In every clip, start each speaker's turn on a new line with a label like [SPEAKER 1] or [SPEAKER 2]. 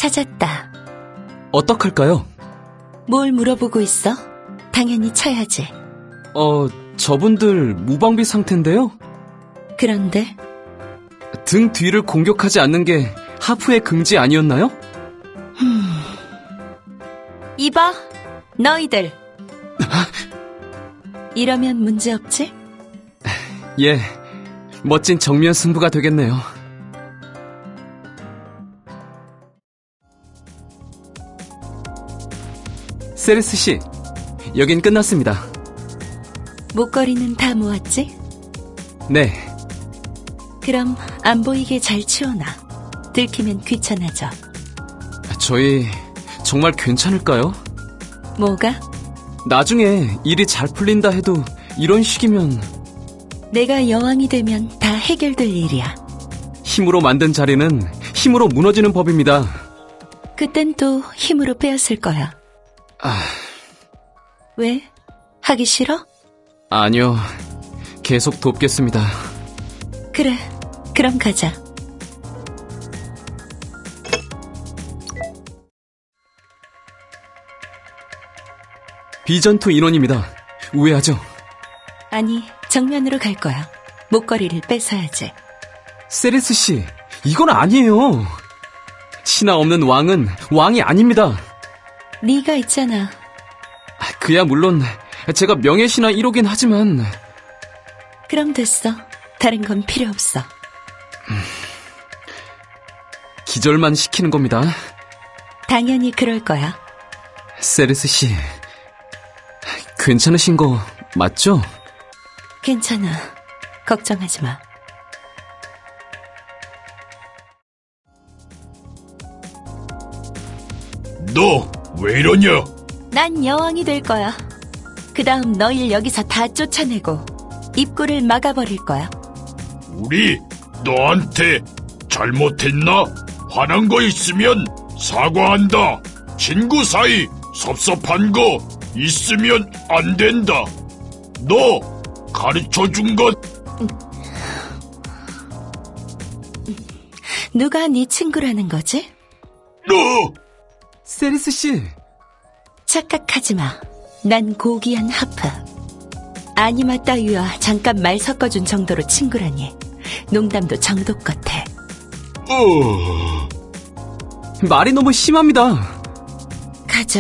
[SPEAKER 1] 찾았다.
[SPEAKER 2] 어떡할까요?
[SPEAKER 1] 뭘 물어보고 있어? 당연히 쳐야지.
[SPEAKER 2] 저분들 무방비 상태인데요?
[SPEAKER 1] 그런데
[SPEAKER 2] 등 뒤를 공격하지 않는 게 하프의 긍지 아니었나요?
[SPEAKER 1] 이봐, 너희들. 이러면 문제없지?
[SPEAKER 2] 예, 멋진 정면 승부가 되겠네요. 세레스 씨, 여긴 끝났습니다.
[SPEAKER 1] 목걸이는 다 모았지?
[SPEAKER 2] 네,
[SPEAKER 1] 그럼 안 보이게 잘 치워놔. 들키면 귀찮아져.
[SPEAKER 2] 저희 정말 괜찮을까요?
[SPEAKER 1] 뭐가?
[SPEAKER 2] 나중에 일이 잘 풀린다 해도 이런 식이면
[SPEAKER 1] 내가 여왕이 되면 다 해결될 일이야.
[SPEAKER 2] 힘으로 만든 자리는 힘으로 무너지는 법입니다.
[SPEAKER 1] 그땐 또 힘으로 빼앗을 거야. 왜? 하기 싫어?
[SPEAKER 2] 아니요, 계속 돕겠습니다.
[SPEAKER 1] 그래, 그럼 가자.
[SPEAKER 2] 비전투 인원입니다. 우회하죠?
[SPEAKER 1] 아니, 정면으로 갈 거야. 목걸이를 뺏어야지.
[SPEAKER 2] 세레스 씨, 이건 아니에요. 신하 없는 왕은 왕이 아닙니다.
[SPEAKER 1] 네가 있잖아.
[SPEAKER 2] 그야 물론 제가 명예신하 1호긴 하지만
[SPEAKER 1] 그럼 됐어. 다른 건 필요 없어.
[SPEAKER 2] 기절만 시키는 겁니다.
[SPEAKER 1] 당연히 그럴 거야.
[SPEAKER 2] 세레스 씨, 괜찮으신 거 맞죠?
[SPEAKER 1] 괜찮아. 걱정하지 마.
[SPEAKER 3] 너 왜 이러냐?
[SPEAKER 1] 난 여왕이 될 거야. 그 다음 너희를 여기서 다 쫓아내고 입구를 막아버릴 거야.
[SPEAKER 3] 우리 너한테 잘못했나? 화난 거 있으면 사과한다. 친구 사이 섭섭한 거 있으면 안 된다. 너 가르쳐준 것
[SPEAKER 1] 누가 네 친구라는 거지?
[SPEAKER 3] 너
[SPEAKER 2] 세레스 씨,
[SPEAKER 1] 착각하지 마. 난 고귀한 하프. 아니마 따위와 잠깐 말 섞어준 정도로 친구라니. 농담도 정도껏 해.
[SPEAKER 2] 말이 너무 심합니다.
[SPEAKER 1] 가자.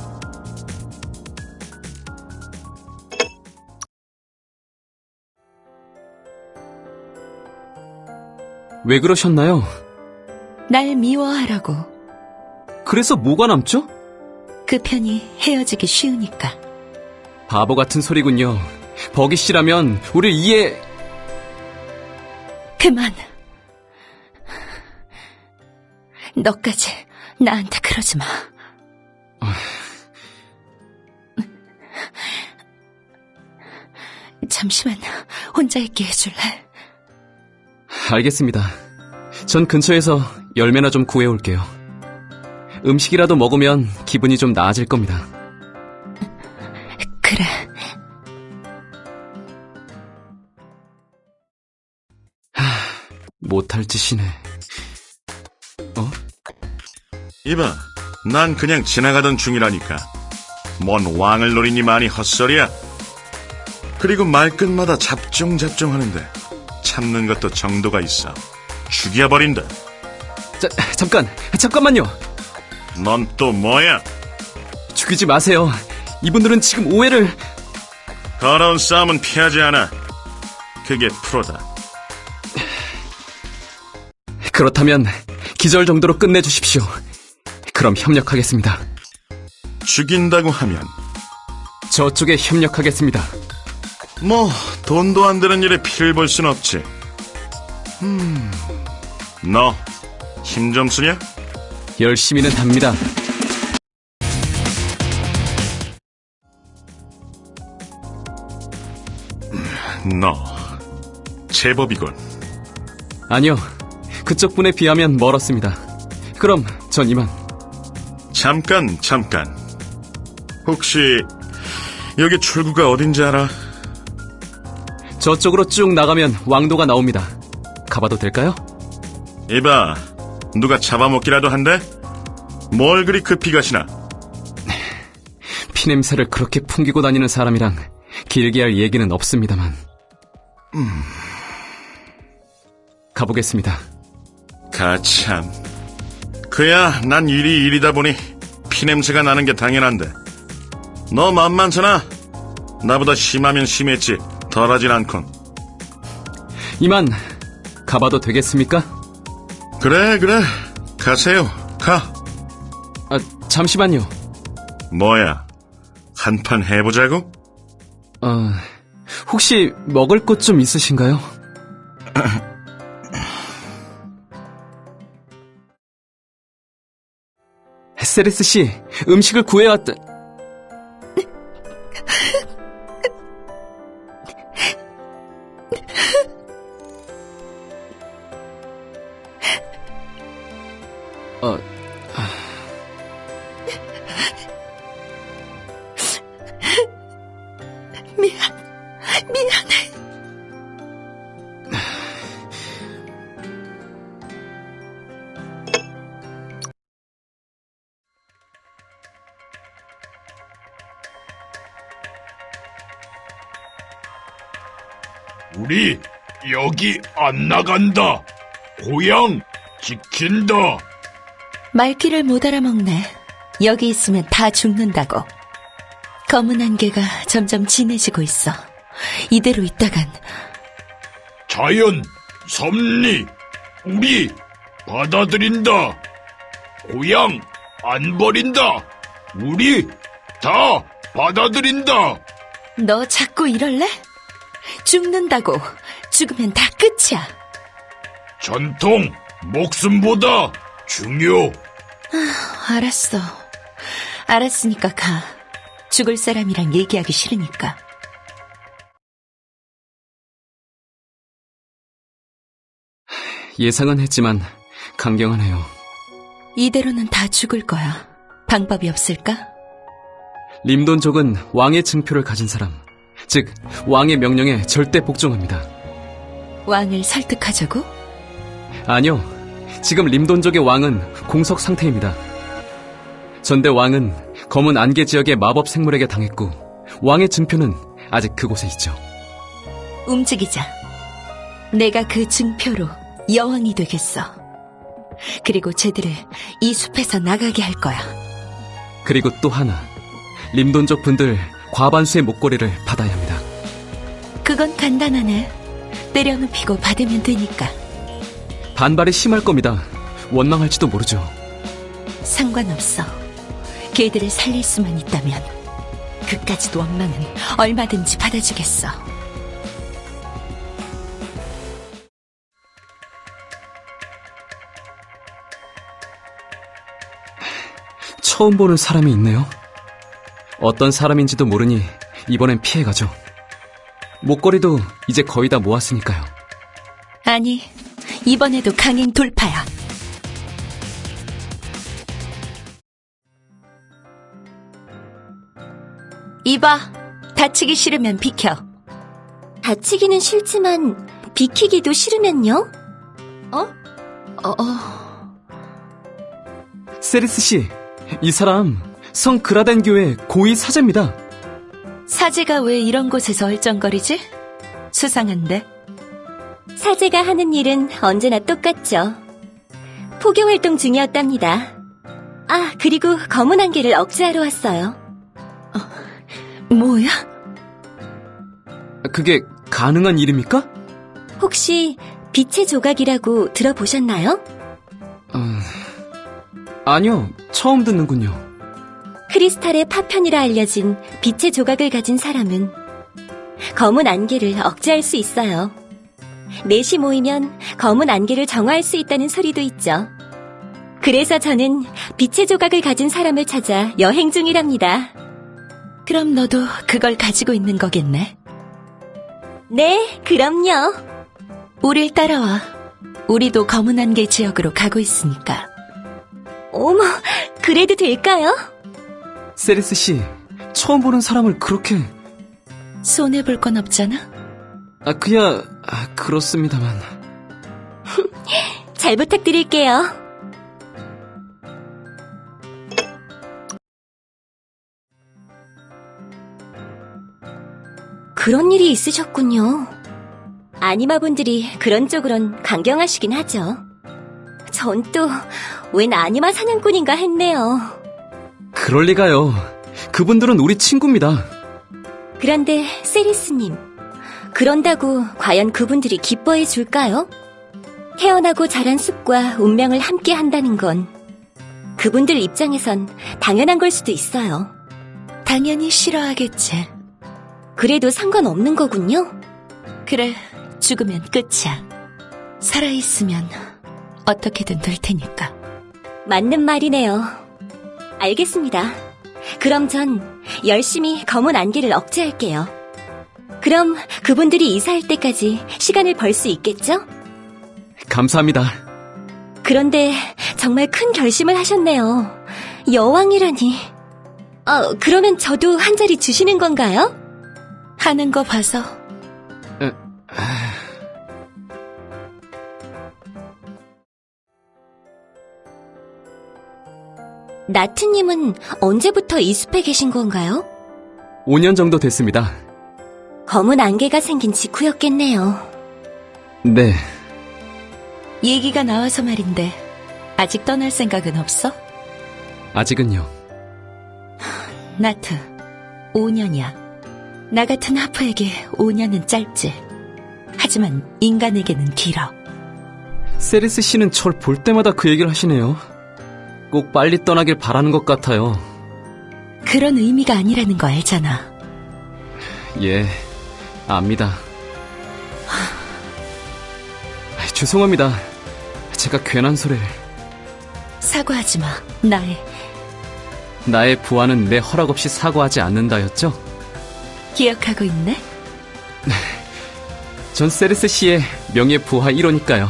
[SPEAKER 2] 왜 그러셨나요?
[SPEAKER 1] 날 미워하라고.
[SPEAKER 2] 그래서 뭐가 남죠?
[SPEAKER 1] 그 편이 헤어지기 쉬우니까.
[SPEAKER 2] 바보 같은 소리군요. 버기 씨라면 우릴 이해...
[SPEAKER 1] 그만. 너까지 나한테 그러지 마. 잠시만 혼자 있게 해줄래?
[SPEAKER 2] 알겠습니다. 전 근처에서 열매나 좀 구해올게요. 음식이라도 먹으면 기분이 좀 나아질 겁니다.
[SPEAKER 1] 그래.
[SPEAKER 2] 못할 짓이네.
[SPEAKER 4] 이봐, 난 그냥 지나가던 중이라니까. 뭔 왕을 노리니 많이 헛소리야. 그리고 말끝마다 잡종잡종 하는데 참는 것도 정도가 있어. 죽여버린다.
[SPEAKER 2] 잠깐만요.
[SPEAKER 4] 넌 또 뭐야?
[SPEAKER 2] 죽이지 마세요. 이분들은 지금 오해를...
[SPEAKER 4] 더러운 싸움은 피하지 않아. 그게 프로다.
[SPEAKER 2] 그렇다면 기절 정도로 끝내주십시오. 그럼 협력하겠습니다.
[SPEAKER 4] 죽인다고 하면
[SPEAKER 2] 저쪽에 협력하겠습니다.
[SPEAKER 4] 뭐 돈도 안 되는 일에 피를 볼 순 없지. 너 힘 좀 쓰냐?
[SPEAKER 2] 열심히는 답니다.
[SPEAKER 4] 너 제법이군.
[SPEAKER 2] 아니요, 그쪽 분에 비하면 멀었습니다. 그럼 전 이만.
[SPEAKER 4] 잠깐. 혹시 여기 출구가 어딘지 알아?
[SPEAKER 2] 저쪽으로 쭉 나가면 왕도가 나옵니다. 가봐도 될까요?
[SPEAKER 4] 이봐, 누가 잡아먹기라도 한대? 뭘 그리 급히 가시나?
[SPEAKER 2] 피냄새를 그렇게 풍기고 다니는 사람이랑 길게 할 얘기는 없습니다만. 가보겠습니다.
[SPEAKER 4] 가참. 그야 난 일이다 보니 피냄새가 나는 게 당연한데. 너 만만찮아. 나보다 심하면 심했지 덜하진 않군.
[SPEAKER 2] 이만 가봐도 되겠습니까?
[SPEAKER 4] 그래 가세요. 가.
[SPEAKER 2] 아, 잠시만요.
[SPEAKER 4] 뭐야, 한판 해보자고?
[SPEAKER 2] 혹시 먹을 것 좀 있으신가요? 세레스 씨, 음식을 구해왔다.
[SPEAKER 1] 미안해.
[SPEAKER 3] 우리 여기 안 나간다. 고향 지킨다.
[SPEAKER 1] 말귀를 못 알아먹네. 여기 있으면 다 죽는다고. 검은 안개가 점점 진해지고 있어. 이대로 있다간
[SPEAKER 3] 자연, 섭리, 우리 받아들인다. 고향 안 버린다. 우리 다 받아들인다.
[SPEAKER 1] 너 자꾸 이럴래? 죽는다고. 죽으면 다 끝이야.
[SPEAKER 3] 전통, 목숨보다 중요.
[SPEAKER 1] 알았어. 알았으니까 가. 죽을 사람이랑 얘기하기 싫으니까.
[SPEAKER 2] 예상은 했지만 강경하네요.
[SPEAKER 1] 이대로는 다 죽을 거야. 방법이 없을까?
[SPEAKER 2] 림돈족은 왕의 증표를 가진 사람, 즉 왕의 명령에 절대 복종합니다.
[SPEAKER 1] 왕을 설득하자고?
[SPEAKER 2] 아니요, 지금 림돈족의 왕은 공석 상태입니다. 전대 왕은 검은 안개 지역의 마법 생물에게 당했고 왕의 증표는 아직 그곳에 있죠.
[SPEAKER 1] 움직이자. 내가 그 증표로 여왕이 되겠어. 그리고 쟤들을 이 숲에서 나가게 할 거야.
[SPEAKER 2] 그리고 또 하나, 림돈족 분들 과반수의 목걸이를 받아야 합니다.
[SPEAKER 1] 그건 간단하네. 때려눕히고 받으면 되니까.
[SPEAKER 2] 반발이 심할 겁니다. 원망할지도 모르죠.
[SPEAKER 1] 상관없어. 걔들을 살릴 수만 있다면 그까짓 원망은 얼마든지 받아주겠어.
[SPEAKER 2] 처음 보는 사람이 있네요. 어떤 사람인지도 모르니 이번엔 피해가죠. 목걸이도 이제 거의 다 모았으니까요.
[SPEAKER 1] 아니, 이번에도 강행 돌파야. 이봐, 다치기 싫으면 비켜.
[SPEAKER 5] 다치기는 싫지만 비키기도 싫으면요?
[SPEAKER 2] 세리스 씨, 이 사람 성 그라덴 교회 고위 사제입니다.
[SPEAKER 1] 사제가 왜 이런 곳에서 얼쩡거리지? 수상한데.
[SPEAKER 5] 사제가 하는 일은 언제나 똑같죠. 포교활동 중이었답니다. 아, 그리고 검은 안개를 억제하러 왔어요.
[SPEAKER 1] 뭐야?
[SPEAKER 2] 그게 가능한 일입니까?
[SPEAKER 5] 혹시 빛의 조각이라고 들어보셨나요?
[SPEAKER 2] 아니요, 처음 듣는군요.
[SPEAKER 5] 크리스탈의 파편이라 알려진 빛의 조각을 가진 사람은 검은 안개를 억제할 수 있어요. 넷이 모이면 검은 안개를 정화할 수 있다는 소리도 있죠. 그래서 저는 빛의 조각을 가진 사람을 찾아 여행 중이랍니다.
[SPEAKER 1] 그럼 너도 그걸 가지고 있는 거겠네.
[SPEAKER 5] 네, 그럼요.
[SPEAKER 1] 우릴 따라와. 우리도 검은 안개 지역으로 가고 있으니까.
[SPEAKER 5] 어머, 그래도 될까요?
[SPEAKER 2] 세리스 씨, 처음 보는 사람을 그렇게...
[SPEAKER 1] 손해볼 건 없잖아?
[SPEAKER 2] 그렇습니다만...
[SPEAKER 5] 잘 부탁드릴게요. 그런 일이 있으셨군요. 아니마분들이 그런 쪽으론 강경하시긴 하죠. 전 또 웬 아니마 사냥꾼인가 했네요.
[SPEAKER 2] 그럴 리가요. 그분들은 우리 친구입니다.
[SPEAKER 5] 그런데 세리스님, 그런다고 과연 그분들이 기뻐해 줄까요? 태어나고 자란 숲과 운명을 함께 한다는 건 그분들 입장에선 당연한 걸 수도 있어요.
[SPEAKER 1] 당연히 싫어하겠지.
[SPEAKER 5] 그래도 상관없는 거군요.
[SPEAKER 1] 그래, 죽으면 끝이야. 살아있으면 어떻게든 될 테니까.
[SPEAKER 5] 맞는 말이네요. 알겠습니다. 그럼 전 열심히 검은 안개를 억제할게요. 그럼 그분들이 이사할 때까지 시간을 벌 수 있겠죠?
[SPEAKER 2] 감사합니다.
[SPEAKER 5] 그런데 정말 큰 결심을 하셨네요. 여왕이라니. 그러면 저도 한 자리 주시는 건가요?
[SPEAKER 1] 하는 거 봐서.
[SPEAKER 5] 나트님은 언제부터 이 숲에 계신 건가요?
[SPEAKER 2] 5년 정도 됐습니다.
[SPEAKER 5] 검은 안개가 생긴 직후였겠네요.
[SPEAKER 2] 네,
[SPEAKER 1] 얘기가 나와서 말인데 아직 떠날 생각은 없어?
[SPEAKER 2] 아직은요.
[SPEAKER 1] 나트, 5년이야. 나 같은 하프에게 5년은 짧지. 하지만 인간에게는 길어.
[SPEAKER 2] 세리스 씨는 절 볼 때마다 그 얘기를 하시네요. 꼭 빨리 떠나길 바라는 것 같아요.
[SPEAKER 1] 그런 의미가 아니라는 거 알잖아.
[SPEAKER 2] 예, 압니다. 죄송합니다. 제가 괜한 소리를.
[SPEAKER 1] 사과하지 마.
[SPEAKER 2] 나의 부하는 내 허락 없이 사과하지 않는다였죠?
[SPEAKER 1] 기억하고 있네?
[SPEAKER 2] 전 세리스 씨의 명예 부하 1호니까요.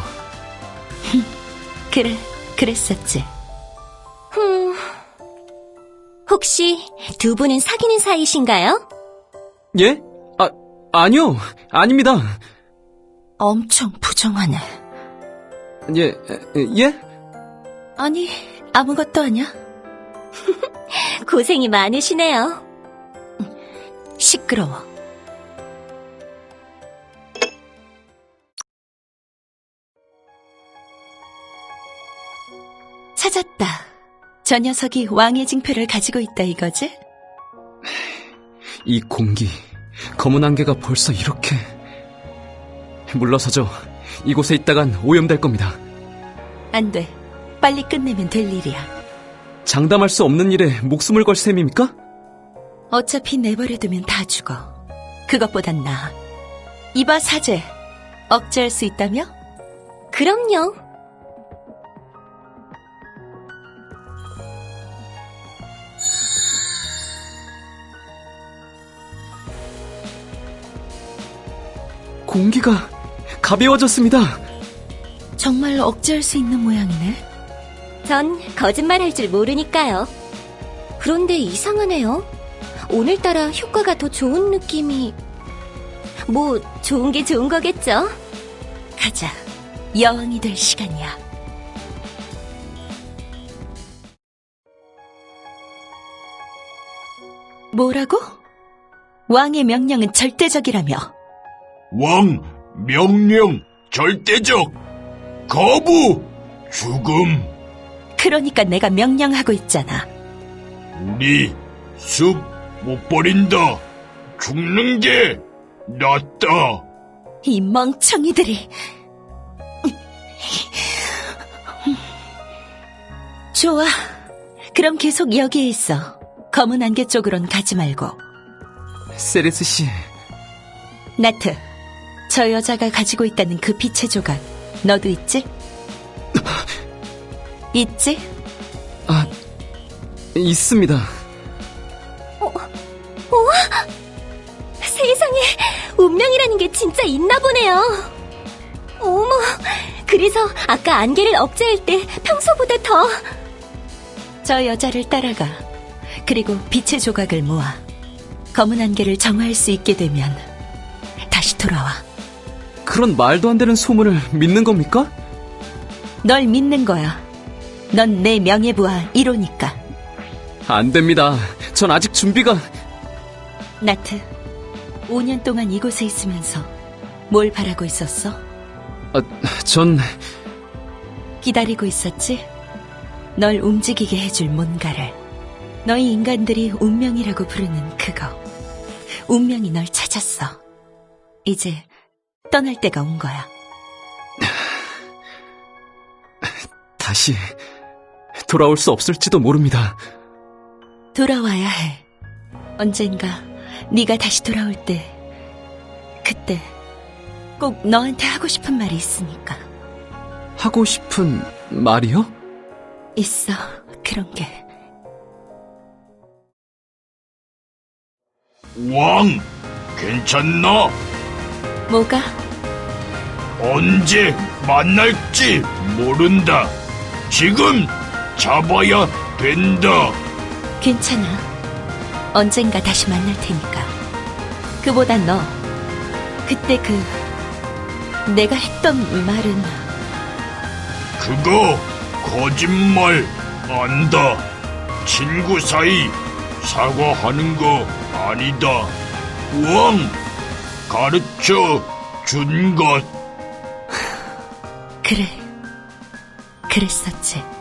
[SPEAKER 1] 그래, 그랬었지.
[SPEAKER 5] 혹시 두 분은 사귀는 사이신가요?
[SPEAKER 2] 예? 아니요. 아닙니다.
[SPEAKER 1] 엄청 부정하네.
[SPEAKER 2] 예?
[SPEAKER 1] 아니, 아무것도 아니야.
[SPEAKER 5] 고생이 많으시네요.
[SPEAKER 1] 시끄러워. 찾았다. 저 녀석이 왕의 징표를 가지고 있다 이거지?
[SPEAKER 2] 이 공기, 검은 안개가 벌써 이렇게... 물러서죠. 이곳에 있다간 오염될 겁니다.
[SPEAKER 1] 안 돼. 빨리 끝내면 될 일이야.
[SPEAKER 2] 장담할 수 없는 일에 목숨을 걸 셈입니까?
[SPEAKER 1] 어차피 내버려두면 다 죽어. 그것보단 나아. 이봐 사제, 억제할 수 있다며?
[SPEAKER 5] 그럼요.
[SPEAKER 2] 공기가 가벼워졌습니다.
[SPEAKER 1] 정말 억제할 수 있는 모양이네.
[SPEAKER 5] 전 거짓말 할 줄 모르니까요. 그런데 이상하네요. 오늘따라 효과가 더 좋은 느낌이... 뭐 좋은 게 좋은 거겠죠?
[SPEAKER 1] 가자. 여왕이 될 시간이야. 뭐라고? 왕의 명령은 절대적이라며.
[SPEAKER 3] 왕, 명령, 절대적, 거부, 죽음.
[SPEAKER 1] 그러니까 내가 명령하고 있잖아.
[SPEAKER 3] 우리 숲 못 버린다. 죽는 게 낫다.
[SPEAKER 1] 이 멍청이들이. 좋아. 그럼 계속 여기에 있어. 검은 안개 쪽으론 가지 말고.
[SPEAKER 2] 세리스 씨,
[SPEAKER 1] 나트, 저 여자가 가지고 있다는 그 빛의 조각, 너도 있지? 있지?
[SPEAKER 2] 있습니다.
[SPEAKER 5] 세상에, 운명이라는 게 진짜 있나 보네요. 어머, 그래서 아까 안개를 억제할 때 평소보다 더...
[SPEAKER 1] 저 여자를 따라가. 그리고 빛의 조각을 모아. 검은 안개를 정화할 수 있게 되면 다시 돌아와.
[SPEAKER 2] 그런 말도 안 되는 소문을 믿는 겁니까?
[SPEAKER 1] 널 믿는 거야. 넌 내 명예부하 1호니까.
[SPEAKER 2] 안 됩니다. 전 아직 준비가...
[SPEAKER 1] 나트, 5년 동안 이곳에 있으면서 뭘 바라고 있었어?
[SPEAKER 2] 전
[SPEAKER 1] 기다리고 있었지? 널 움직이게 해줄 뭔가를. 너희 인간들이 운명이라고 부르는 그거. 운명이 널 찾았어. 이제 떠날 때가 온 거야.
[SPEAKER 2] 다시 돌아올 수 없을지도 모릅니다.
[SPEAKER 1] 돌아와야 해. 언젠가 네가 다시 돌아올 때, 그때 꼭 너한테 하고 싶은 말이 있으니까.
[SPEAKER 2] 하고 싶은 말이요?
[SPEAKER 1] 있어, 그런 게.
[SPEAKER 3] 왕, 괜찮나?
[SPEAKER 1] 뭐가?
[SPEAKER 3] 언제 만날지 모른다. 지금 잡아야 된다.
[SPEAKER 1] 괜찮아. 언젠가 다시 만날 테니까. 그보다 너, 그때 내가 했던 말은
[SPEAKER 3] 그거 거짓말 안다. 친구 사이 사과하는 거 아니다. 왕, 가르쳐 준 것.
[SPEAKER 1] 그래. 그랬었지.